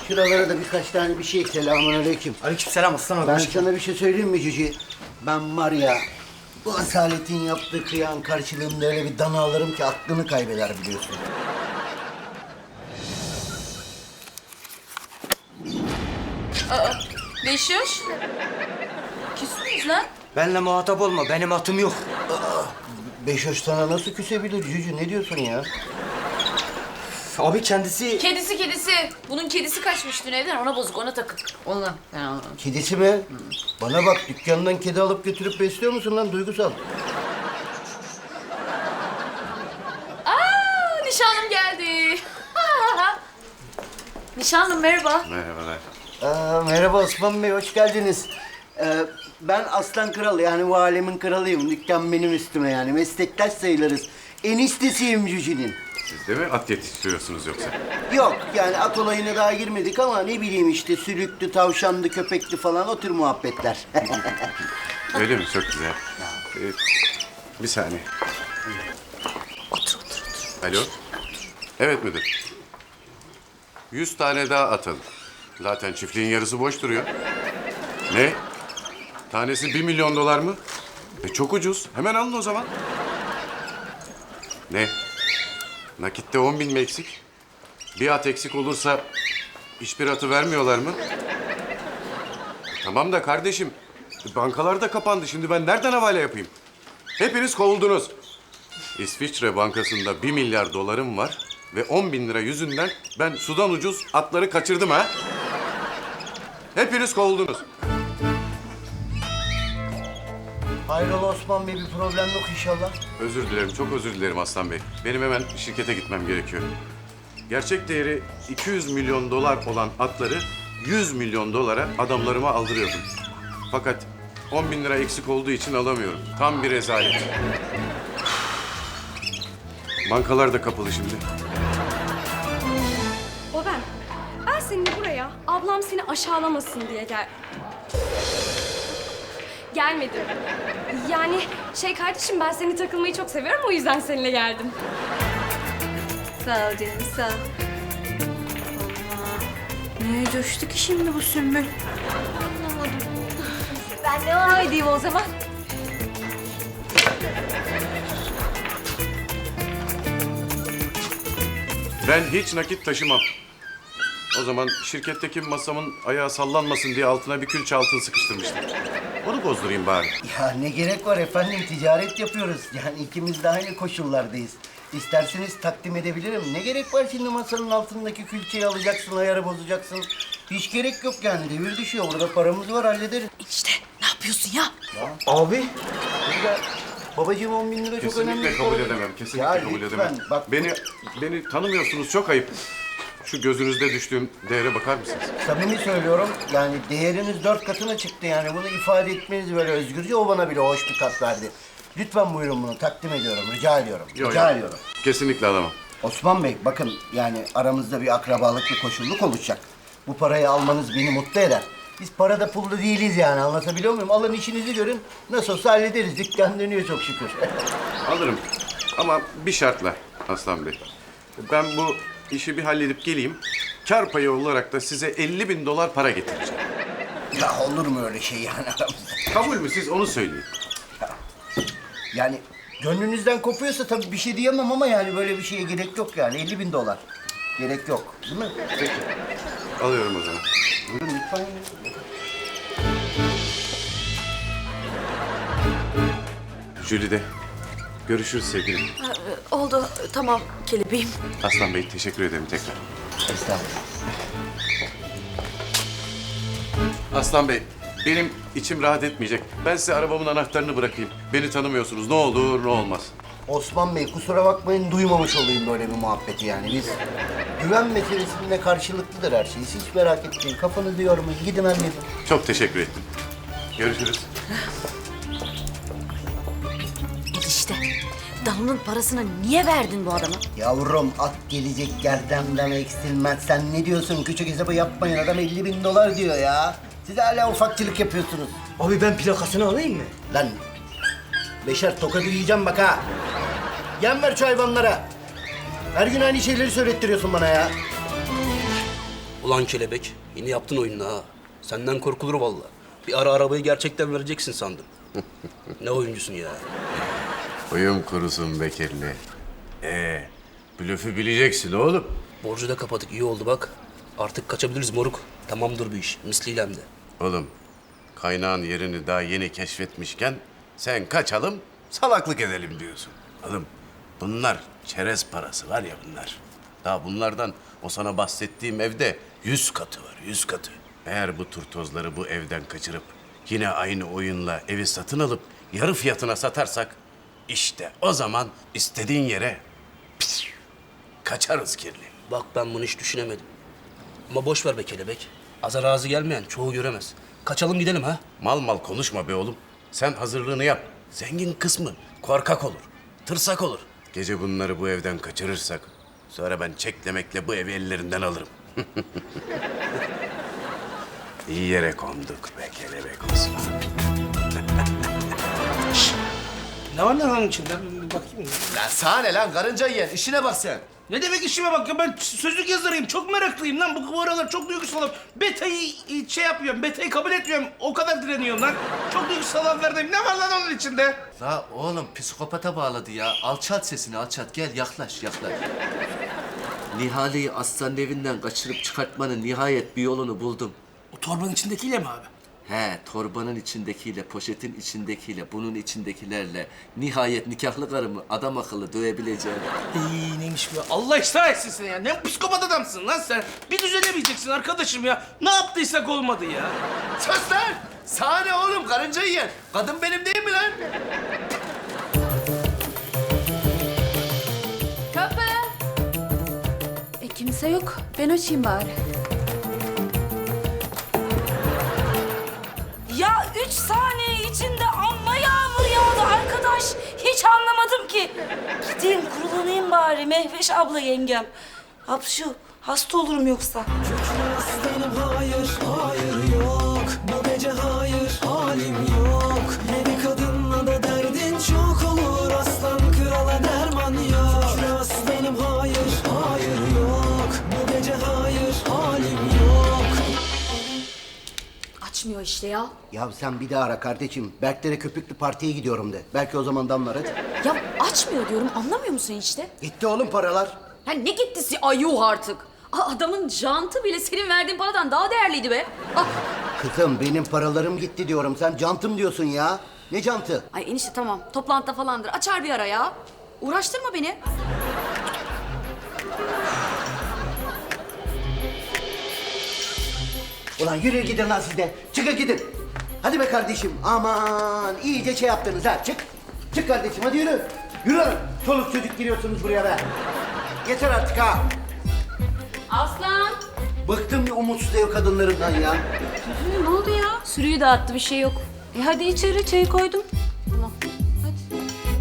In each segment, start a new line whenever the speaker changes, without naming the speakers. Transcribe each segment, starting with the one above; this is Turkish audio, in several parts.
Şuralara da birkaç tane bir şey. Selamünaleyküm.
Aleykümselam aslan abi.
Ben sana bir şey söyleyeyim mi Cici? Ben var ya, bu asaletin yaptığı kıyağın karşılığında öyle bir dana alırım ki aklını kaybeder biliyorsun.
Beşiş. Küsmüyüz lan.
Benle muhatap olma. Benim atım yok.
Beşoş sana nasıl küsebilir Cici? Ne diyorsun ya?
Abi kendisi...
Kedisi. Bunun kedisi kaçmış dün evden. Ona bozuk, ona takık. Ondan. Yani ondan.
Kedisi mi? Bana bak, dükkandan kedi alıp götürüp besliyor musun lan duygusal?
Nişanlım geldi. Nişanlım merhaba.
Merhabalar.
Merhaba Osman Bey, hoş geldiniz. Ben Aslan Kral, yani bu alemin kralıyım. Dükkan benim üstüme yani. Meslektaş sayılırız. Eniştesiyim Cüci'nin.
Siz de mi at yetiştiriyorsunuz yoksa?
Yok, yani at olayına daha girmedik ama ne bileyim işte sülüktü, tavşandı, köpekti falan o tür muhabbetler.
Öyle mi? Çok güzel. Bir saniye.
Otur.
Alo? Evet müdür. 100 tane daha atalım. Zaten çiftliğin yarısı boş duruyor. Ne? Tanesi 1 milyon dolar mı? Çok ucuz. Hemen alın o zaman. Ne? Nakitte 10 bin mi eksik? Bir at eksik olursa hiçbir atı vermiyorlar mı? Tamam da kardeşim, bankalar da kapandı. Şimdi ben nereden havale yapayım? Hepiniz kovuldunuz. İsviçre Bankası'nda 1 milyar dolarım var ve 10 bin lira yüzünden ben sudan ucuz atları kaçırdım ha. Hepiniz kovuldunuz.
Hayrola Osman Bey, bir problem yok inşallah.
Özür dilerim, çok özür dilerim Aslan Bey. Benim hemen şirkete gitmem gerekiyor. Gerçek değeri 200 milyon dolar olan atları 100 milyon dolara adamlarıma aldırıyordum. Fakat 10 bin lira eksik olduğu için alamıyorum. Tam bir rezalet. Bankalar da kapalı şimdi.
O ben. Ben seninle buraya ablam seni aşağılamasın diye gelmedim. Yani kardeşim, ben seni takılmayı çok seviyorum, o yüzden seninle geldim.
Sağ ol canım, sağ ol. Allah. Neye coştu ki şimdi bu Sümbül? Anlamadım. Ben devam edeyim o zaman.
Ben hiç nakit taşımam. O zaman şirketteki masamın ayağı sallanmasın diye altına bir külçe altın sıkıştırmıştım. Onu bozdurayım bari.
Ya ne gerek var efendim, ticaret yapıyoruz. Yani ikimiz de aynı koşullardayız. İsterseniz takdim edebilirim. Ne gerek var şimdi masanın altındaki külçeyi alacaksın, ayarı bozacaksın. Hiç gerek yok yani, devir düşüyor. Burada paramız var, hallederiz.
İşte ne yapıyorsun ya?
Abi.
Burada babacığım 10 bin lira çok önemli.
Kesinlikle
bir
kabul
para.
edemem. Kesinlikle
Ya
kabul
lütfen,
edemem.
bak-
Beni tanımıyorsunuz, çok ayıp. Şu gözünüzde düştüğüm değere bakar mısınız?
Samimi söylüyorum, yani değeriniz 4 katına çıktı yani. Bunu ifade etmeniz böyle özgürce, o bana bile hoş bir tat verdi. Lütfen buyurun, bunu takdim ediyorum, rica ediyorum.
Yok,
rica
yok.
ediyorum.
Kesinlikle alamam.
Osman Bey, bakın yani aramızda bir akrabalık, bir koşulluk oluşacak. Bu parayı almanız beni mutlu eder. Biz parada pulda değiliz yani, anlatabiliyor muyum? Alın işinizi görün, nasıl olsa hallederiz. Dükkan dönüyor çok şükür.
Alırım. Ama bir şartla Aslan Bey. Ben bu işi bir halledip geleyim. Kar payı olarak da size 50 bin dolar para getireceğim.
Ya olur mu öyle şey yani aramızda?
Kabul mü, siz onu söyleyin.
Yani gönlünüzden kopuyorsa tabii bir şey diyemem ama yani böyle bir şeye gerek yok yani. 50 bin dolar. Gerek yok. Değil mi?
Peki. Alıyorum o zaman.
Buyurun lütfen.
Jülide. Görüşürüz sevgilim.
Oldu, tamam kelebeğim.
Aslan Bey, teşekkür ederim tekrar.
Estağfurullah.
Aslan Bey, benim içim rahat etmeyecek. Ben size arabamın anahtarını bırakayım. Beni tanımıyorsunuz. Ne olur ne olmaz.
Osman Bey, kusura bakmayın, duymamış olayım böyle bir muhabbeti yani. Biz güven meselesinde karşılıklıdır her şey. Siz hiç merak etmeyin. Kafanızı yormayın. Gidin halledin.
Çok teşekkür ettim. Görüşürüz.
İşte Dalı'nın parasını niye verdin bu adama?
Yavrum, at gelecek gerdemden eksilmez. Sen ne diyorsun? Küçük hesabı yapmayın. Adam 50 bin dolar diyor ya. Siz hala ufakçılık yapıyorsunuz.
Abi ben plakasını alayım mı?
Lan Beşer, tokadı yiyeceğim bak ha. Yem ver şu hayvanlara. Her gün aynı şeyleri söylettiriyorsun bana ya.
Ulan kelebek, yine yaptın oyununu ha. Senden korkulur vallahi. Bir ara arabayı gerçekten vereceksin sandım. Ne oyuncusun ya?
Uyum kurusun Bekirli. Blöfü bileceksin oğlum.
Borcu da kapadık, iyi oldu bak. Artık kaçabiliriz moruk. Tamamdır bu iş, misliyle hem de.
Oğlum, kaynağın yerini daha yeni keşfetmişken sen kaçalım, salaklık edelim diyorsun. Oğlum, bunlar çerez parası var ya bunlar. Daha bunlardan o sana bahsettiğim evde 100 katı var, 100 katı. Eğer bu turtozları bu evden kaçırıp yine aynı oyunla evi satın alıp yarı fiyatına satarsak işte o zaman istediğin yere kaçarız kirli.
Bak ben bunu hiç düşünemedim. Ama boş ver be kelebek. Aza razı gelmeyen çoğu göremez. Kaçalım gidelim ha.
Mal mal konuşma be oğlum. Sen hazırlığını yap. Zengin kısmı korkak olur, tırsak olur. Gece bunları bu evden kaçırırsak sonra ben çeklemekle bu evi ellerinden alırım. İyi yere konduk be kelebek Osman.
Ne var lan onun içinde? Bir bakayım.
Lan sana ne lan karınca yiyen işine bak sen.
Ne demek işime bak ya, ben sözlük yazarıyım, çok meraklıyım lan. Bu aralar çok duygusalım. Beta'yı şey yapıyorum, beta'yı kabul etmiyorum. O kadar direniyorum lan. Çok duygusal anlardayım. Ne var lan onun içinde?
La oğlum psikopata bağladı ya. Alçalt sesini alçalt, gel yaklaş. Nihale'yi aslanın evinden kaçırıp çıkartmanın nihayet bir yolunu buldum.
O torbanın içindekiyle mi abi?
He, torbanın içindekiyle, poşetin içindekiyle, bunun içindekilerle nihayet nikahlı karımı adam akıllı dövebileceğim.
Neymiş bu? Allah ıslah etsin seni ya. Ne psikopat adamsın lan sen. Bir düzelemeyeceksin arkadaşım ya. Ne yaptıysak olmadı ya.
Sus lan! Sana ne oğlum karınca yiyen? Kadın benim değil mi lan?
Kapı. Kimse yok. Ben açayım bari.
Ya 3 saniye içinde amma yağmur yağdı arkadaş. Hiç anlamadım ki. Gideyim kurulanayım bari Mehveş abla yengem. Hapşu, hasta olurum yoksa.
Aslanım hayır, hayır yok. Bu gece hayır, halim yok. Yeni kadınla da derdin çok olur. Aslan krala derman yok. Şükür aslanım hayır, hayır yok. Bu gece hayır, halim yok.
Açmıyor işte ya.
Ya sen bir daha ara kardeşim. Berklere köpüklü partiye gidiyorum de. Belki o zaman damlar hadi.
Ya açmıyor diyorum, anlamıyor musun işte?
Gitti oğlum paralar.
Ha ne gittisi, ay yuh artık. Adamın jantı bile senin verdiğin paradan daha değerliydi be. Ah.
Kızım benim paralarım gitti diyorum. Sen cantım diyorsun ya. Ne cantı?
Ay enişte tamam, toplantıda falandır. Açar bir ara ya. Uğraştırma beni.
Ulan yürü gidin lan siz de. Çıkın gidin. Hadi be kardeşim. Aman iyice şey yaptınız ha. Çık. Çık kardeşim hadi yürü. Yürü lan. Çoluk çocuk giriyorsunuz buraya be. Yeter artık ha.
Aslan.
Bıktım ya umutsuz ev kadınlarından ya.
Ne oldu ya? Sürüyü dağıttı, bir şey yok. Hadi içeri, çayı koydum. Tamam. Hadi.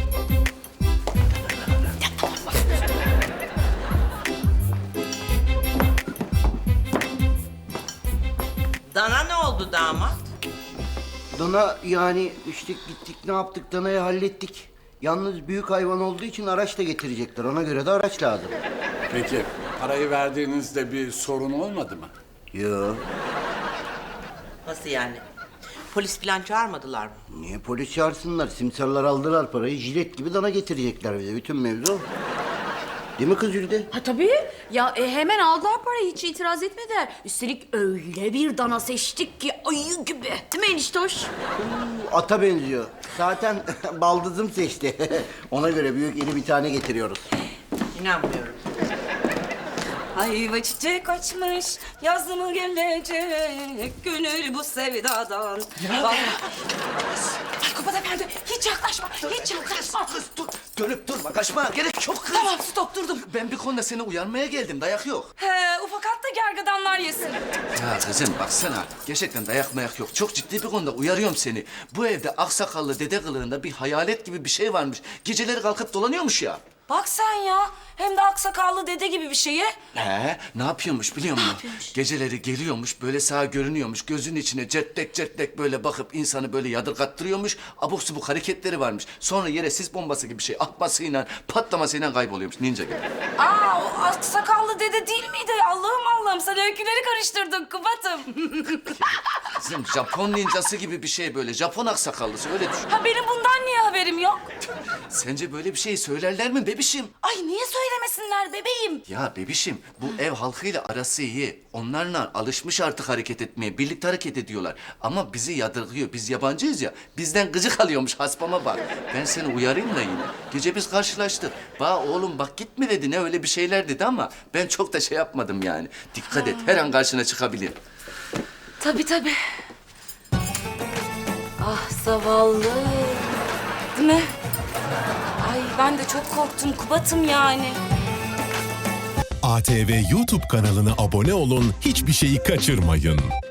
Dana ne oldu damat?
Dana yani işte gittik ne yaptık danayı hallettik. Yalnız büyük hayvan olduğu için araç da getirecekler. Ona göre de araç lazım.
Peki parayı verdiğinizde bir sorun olmadı mı?
Yo.
Nasıl yani? Polis falan çağırmadılar mı?
Niye polis çağırsınlar? Simsarlar aldılar parayı. Jilet gibi dana getirecekler bize. Bütün mevzu o. Değil mi kız Jülide?
Ha tabii. Ya hemen aldılar parayı, hiç itiraz etmediler. Üstelik öyle bir dana seçtik ki ayı gibi. Değil mi eniştoş?
Ata benziyor. Zaten baldızım seçti. Ona göre büyük iri bir tane getiriyoruz.
İnanmıyorum.
Ayva çiçek açmış, yaz mı gelecek, gönül bu sevdadan. Ay Kubat Efendi, hiç yaklaşma, hiç yaklaşma.
Kız dur, dönüp durma, kaçma. Gerek yok kız.
Tamam, stop, durdum.
Ben bir konuda seni uyarmaya geldim, dayak yok.
He, ufak hatta gergedanlar yesin.
Ya kızım baksana, gerçekten dayak mayak yok. Çok ciddi bir konuda uyarıyorum seni. Bu evde aksakallı dede kılığında bir hayalet gibi bir şey varmış. Geceleri kalkıp dolanıyormuş ya.
Bak sen ya. Hem de aksakallı dede gibi bir şeye.
He, ne yapıyormuş biliyor musun? Geceleri geliyormuş, böyle sağa görünüyormuş. Gözünün içine certlek certlek böyle bakıp insanı böyle yadırgattırıyormuş. Abuk subuk hareketleri varmış. Sonra yere sis bombası gibi bir şey atmasıyla, patlamasıyla kayboluyormuş ninja gibi.
Aa, o aksakallı dede değil miydi? Allah'ım sen öyküleri karıştırdın Kubat'ım.
Kızım Japon ninjası gibi bir şey böyle. Japon aksakallısı öyle düşün.
Ha benim bundan niye haberim yok?
Sence böyle bir şey söylerler mi bebişim?
Ay niye söylemesinler bebeğim?
Ya bebişim bu ev halkıyla arası iyi. Onlarla alışmış artık hareket etmeye. Birlikte hareket ediyorlar. Ama bizi yadırgıyor. Biz yabancıyız ya. Bizden gıcık alıyormuş haspama bak. Ben seni uyarayım da yine. Gece biz karşılaştık. Oğlum bak gitme dedi. Ne öyle bir şeyler dedi ama ben çok da şey yapmadım yani. Dikkat et her an karşına çıkabilir.
Tabii. Ah zavallı. Değil mi? Ay ben de çok korktum Kubat'ım yani.
ATV YouTube kanalına abone olun, hiçbir şeyi kaçırmayın.